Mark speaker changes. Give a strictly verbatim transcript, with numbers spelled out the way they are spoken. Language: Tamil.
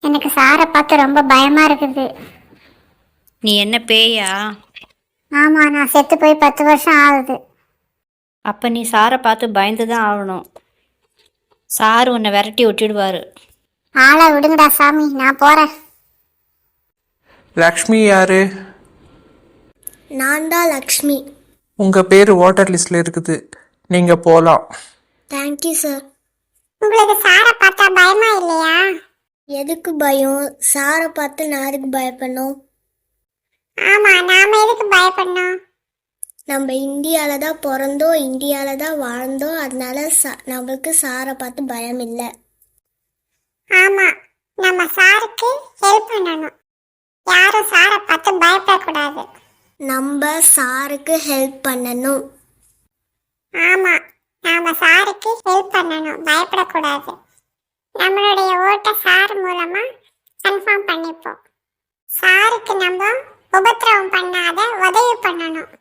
Speaker 1: எனக்கு சாரை பார்த்து ரொம்ப பயமா இருக்குது.
Speaker 2: நீ என்ன பேயா?
Speaker 1: ஆமா, நான் செத்து போய் பத்து வருஷம் ஆகுது.
Speaker 2: அப்போ நீ சாரை பார்த்து பயந்து தான் ஆகணும். சார் உன்னை விரட்டி விட்டுடுவார்.
Speaker 1: ஆளை விடுங்கடா சாமி, நான் போறேன்.
Speaker 3: லக்ஷ்மி யாரு?
Speaker 4: நான் தான் லக்ஷ்மி.
Speaker 3: உங்க பேர் வாட்டர் லிஸ்ட்ல இருக்குது, நீங்க போலாம்.
Speaker 4: Thank you sir.
Speaker 1: உங்களுக்கு சாரை பார்த்தா பயமா இல்லையா?
Speaker 4: எதுக்கு பயம்? சாரை பார்த்து நான் எதுக்கு பயப்படணும்?
Speaker 1: ஆமா, நாம எதுக்கு பயப்படணும்?
Speaker 4: நம்ம இந்தியாவில் தான் பிறந்தோம், இந்தியாவில் தான் வாழ்ந்தோம். அதனால சா நம்மளுக்கு சாரை பார்த்து பயம் இல்லை.
Speaker 1: ஆமா, நம்ம சாருக்கு ஹெல்ப் பண்ணணும். யாரும் சாரை பார்த்து பயப்படக்கூடாது.
Speaker 4: நம்ம சாருக்கு ஹெல்ப் பண்ணணும்.
Speaker 1: ஆமா, நாம சாருக்கு ஹெல்ப் பண்ணணும், பயப்படக்கூடாது. நம்மளுடைய ஓட்டை சார் மூலமா கன்ஃபார்ம் பண்ணிப்போம். சாருக்கு நம்ம உபத்திரவம் பண்ணாத உதவி பண்ணணும்.